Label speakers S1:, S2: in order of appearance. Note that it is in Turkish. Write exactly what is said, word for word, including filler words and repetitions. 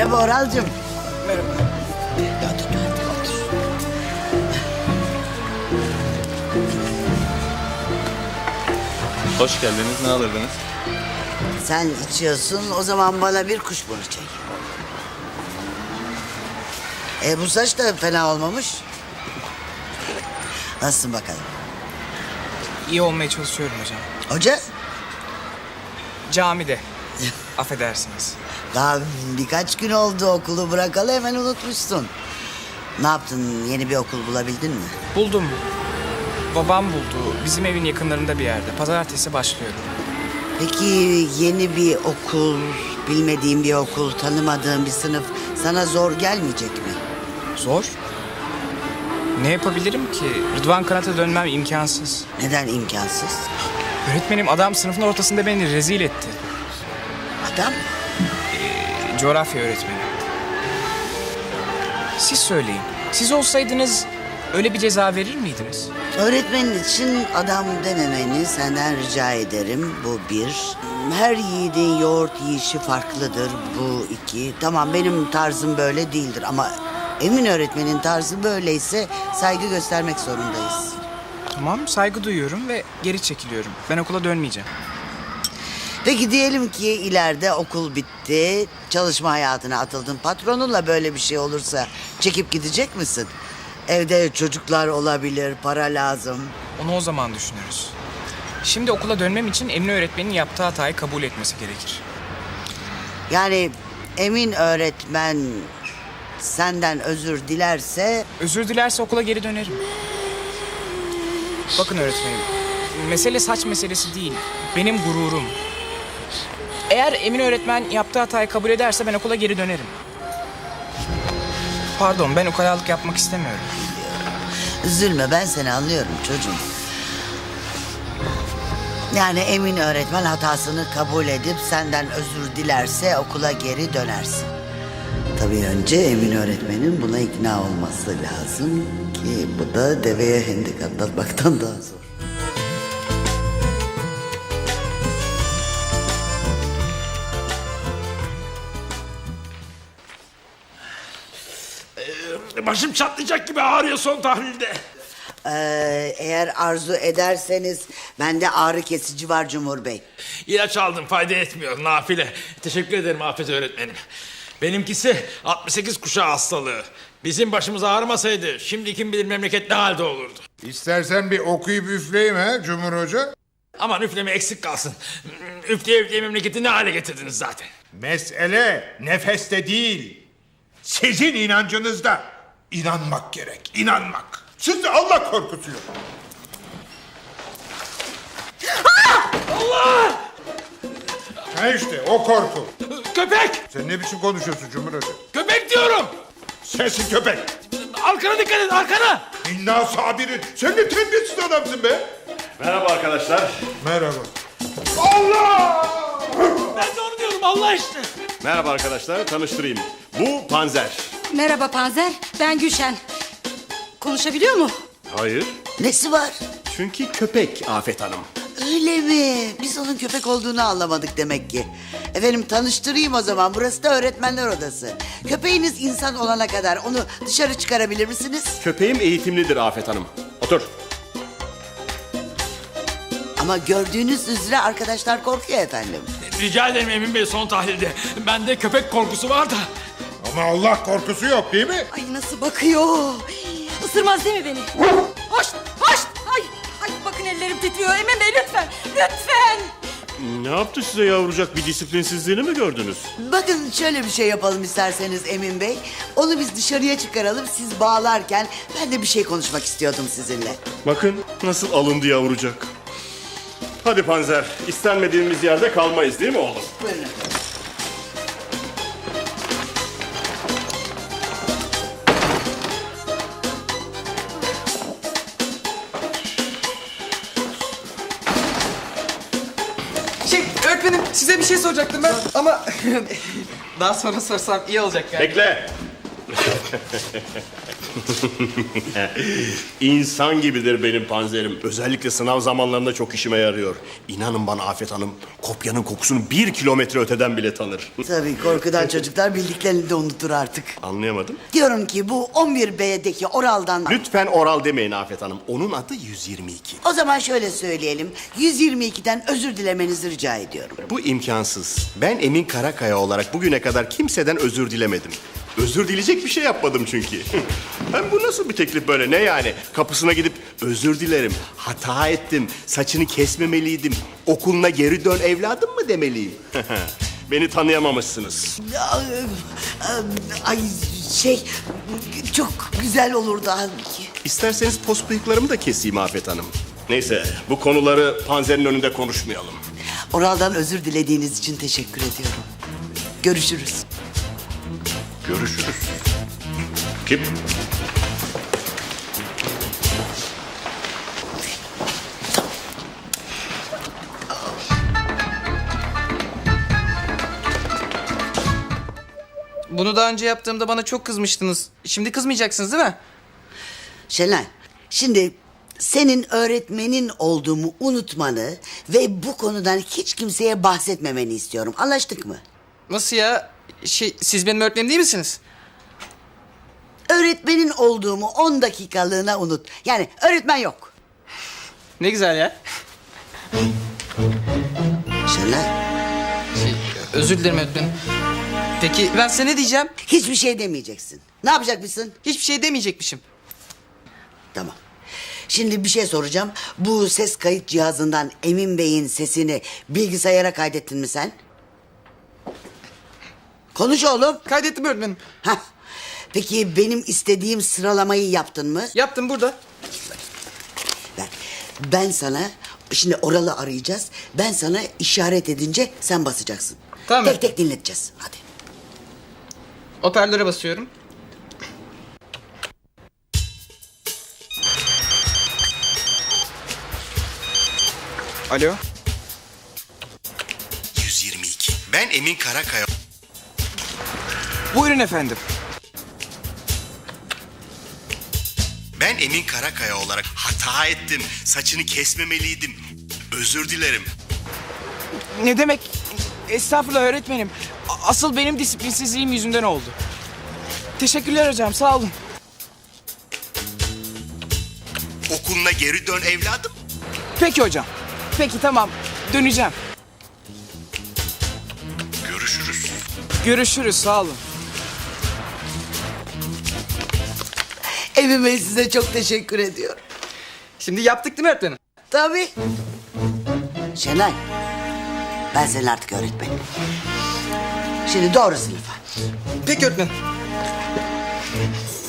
S1: Merhaba Oralcığım.
S2: Merhaba.
S1: Otur, otur, otur.
S3: Hoş geldiniz. Ne alırdınız?
S1: Sen içiyorsun, o zaman bana bir kuşburnu çek. E bu saç da fena olmamış. Nasılsın bakalım?
S2: İyi olmaya çalışıyorum hocam.
S1: Hoca?
S2: Camide. Affedersiniz.
S1: Daha birkaç gün oldu okulu bırakalı, hemen unutmuşsun. Ne yaptın, yeni bir okul bulabildin mi?
S2: Buldum. Babam buldu. Bizim evin yakınlarında bir yerde. Pazartesi başlıyorum.
S1: Peki yeni bir okul, bilmediğin bir okul, tanımadığın bir sınıf sana zor gelmeyecek mi?
S2: Zor. Ne yapabilirim ki? Rıdvan Kanat'a dönmem imkansız.
S1: Neden imkansız?
S2: Öğretmenim, adam sınıfın ortasında beni rezil etti.
S1: Adam?
S2: Ee, coğrafya öğretmeni. Siz söyleyin. Siz olsaydınız öyle bir ceza verir miydiniz?
S1: Öğretmenin için adam dememeni senden rica ederim. Bu bir. Her yiğidin yoğurt yiyişi farklıdır. Bu iki. Tamam, benim tarzım böyle değildir ama Emin öğretmenin tarzı böyleyse saygı göstermek zorundayız.
S2: Tamam, saygı duyuyorum ve geri çekiliyorum. Ben okula dönmeyeceğim.
S1: Peki diyelim ki ileride okul bitti, çalışma hayatına atıldın. Patronunla böyle bir şey olursa çekip gidecek misin? Evde çocuklar olabilir, para lazım.
S2: Onu o zaman düşünürüz. Şimdi okula dönmem için Emine öğretmenin yaptığı hatayı kabul etmesi gerekir.
S1: Yani Emin öğretmen senden özür dilerse...
S2: Özür dilerse okula geri dönerim. Bakın öğretmenim, mesele saç meselesi değil, benim gururum. Eğer Emine öğretmen yaptığı hatayı kabul ederse ben okula geri dönerim. Pardon, ben ukalalık yapmak istemiyorum.
S1: Üzülme, ben seni anlıyorum çocuğum. Yani Emin öğretmen hatasını kabul edip senden özür dilerse okula geri dönersin. Tabii önce Emin öğretmenin buna ikna olması lazım ki bu da deveye hendek atlatmaktan daha zor.
S4: Başım çatlayacak gibi ağrıyor son tahlilde.
S1: Ee, eğer arzu ederseniz bende ağrı kesici var Cumhur Bey.
S4: İlaç aldım, fayda etmiyor, nafile. Teşekkür ederim Afet öğretmenim. Benimkisi altmış sekiz kuşağı hastalığı. Bizim başımız ağrımasaydı şimdi kim bilir memleket ne halde olurdu.
S5: İstersen bir okuyup üfleyeyim ha Cumhur Hoca.
S4: Aman üfleme eksik kalsın. Üfleye üfleye memleketi ne hale getirdiniz zaten.
S5: Mesele nefeste değil. Sizin inancınızda. İnanmak gerek, inanmak. Sizde Allah korkusu yok.
S4: Allah!
S5: Ha işte o korku.
S4: Köpek!
S5: Sen ne biçim konuşuyorsun Cumhur Hoca?
S4: Köpek diyorum!
S5: Sensin köpek.
S4: Arkana dikkat et, arkana!
S5: İnna sabirin. Sen ne terbiyesiz adamsın be.
S6: Merhaba arkadaşlar.
S5: Merhaba. Allah!
S4: Ben de onu diyorum, Allah işte!
S6: Merhaba arkadaşlar, tanıştırayım. Bu Panzer.
S7: Merhaba Panzer, ben Gülşen. Konuşabiliyor mu?
S6: Hayır,
S1: Nesi var?
S6: çünkü köpek Afet Hanım.
S1: Öyle mi? Biz onun köpek olduğunu anlamadık demek ki. Efendim tanıştırayım o zaman. Burası da öğretmenler odası. Köpeğiniz insan olana kadar onu dışarı çıkarabilir misiniz?
S6: Köpeğim eğitimlidir Afet Hanım. Otur.
S1: Ama gördüğünüz üzere arkadaşlar korkuyor efendim.
S4: Rica ederim Emin Bey, son tahlilde. Bende köpek korkusu var da.
S5: Ama Allah korkusu yok değil mi?
S7: Ay nasıl bakıyor. Isırmaz değil mi beni? Hoş, hoş. Ay, ay bakın ellerim titriyor. Emin Bey lütfen, lütfen.
S6: Ne yaptı size yavrucak, bir disiplinsizliğini mi gördünüz?
S1: Bakın şöyle bir şey yapalım isterseniz Emin Bey. Onu biz dışarıya çıkaralım, siz bağlarken ben de bir şey konuşmak istiyordum sizinle.
S6: Bakın nasıl alındı yavrucak. Hadi Panzer, istenmediğimiz yerde kalmayız değil mi oğlum?
S1: Buyurun efendim.
S2: Şey, öğretmenim, size bir şey soracaktım ben ama daha sonra sorsam iyi olacak yani.
S6: Bekle. İnsan gibidir benim panzerim. Özellikle sınav zamanlarında çok işime yarıyor. İnanın bana Afet Hanım, kopyanın kokusunu bir kilometre öteden bile tanır.
S1: Tabii korkudan çocuklar bildiklerini de unutur artık.
S6: Anlayamadım.
S1: Diyorum ki bu on bir B'deki oraldan...
S6: Lütfen oral demeyin Afet Hanım. Onun adı yüz yirmi iki.
S1: O zaman şöyle söyleyelim. yüz yirmi ikiden özür dilemenizi rica ediyorum.
S6: Bu imkansız. Ben Emin Karakaya olarak bugüne kadar kimseden özür dilemedim. Özür dileyecek bir şey yapmadım çünkü. Hem bu nasıl bir teklif böyle? Ne yani? Kapısına gidip özür dilerim, hata ettim, saçını kesmemeliydim, okuluna geri dön evladım mı demeliyim? Beni tanıyamamışsınız.
S1: Ay şey çok güzel olurdu halbuki.
S6: İsterseniz pos bıyıklarımı da keseyim Afet Hanım. Neyse, bu konuları panzerin önünde konuşmayalım.
S1: Oraldan özür dilediğiniz için teşekkür ediyorum. Görüşürüz.
S6: Görüşürüz. Kim?
S3: Bunu daha önce yaptığımda bana çok kızmıştınız. Şimdi kızmayacaksınız değil mi?
S1: Şenay, şimdi senin öğretmenin olduğumu unutmanı ve bu konudan hiç kimseye bahsetmemeni istiyorum. Anlaştık mı?
S3: Nasıl ya? Şey, siz benim öğretmenim değil misiniz?
S1: Öğretmenin olduğumu on dakikalığına unut. Yani öğretmen yok.
S3: Ne güzel ya.
S1: Şenay,
S3: Şey, özür dilerim öğretmenim. Peki ben size ne diyeceğim?
S1: hiçbir şey demeyeceksin. Ne yapacakmışsın?
S3: Hiçbir şey demeyecekmişim.
S1: Tamam. Şimdi bir şey soracağım. Bu ses kayıt cihazından Emin Bey'in sesini bilgisayara kaydettin mi sen? Konuş oğlum.
S3: Kaydettim öğretmenim.
S1: Hah. Peki benim istediğim sıralamayı yaptın mı?
S3: Yaptım burada.
S1: Ben, ben sana şimdi oralı arayacağız. Ben sana işaret edince sen basacaksın.
S3: Tamam.
S1: Tek tek dinleteceğiz. Hadi.
S3: Hoparlöre basıyorum. Alo.
S6: yüz yirmi iki. Ben Emin Karakaya.
S3: Buyurun efendim.
S6: Ben Emin Karakaya olarak hata ettim. Saçını kesmemeliydim. Özür dilerim.
S2: Ne demek? Estağfurullah öğretmenim. A- Asıl benim disiplinsizliğim yüzünden oldu. Teşekkürler hocam, sağ olun.
S6: Okuluna geri dön evladım.
S2: Peki hocam. Peki tamam, döneceğim.
S6: Görüşürüz.
S2: Görüşürüz, sağ olun.
S1: Emin Bey size çok teşekkür ediyorum.
S3: Şimdi yaptık değil mi öğretmenim?
S1: Tabii. Şenay, ben senin artık öğretmenim. Şimdi doğru sınıfa.
S3: Peki öğretmenim.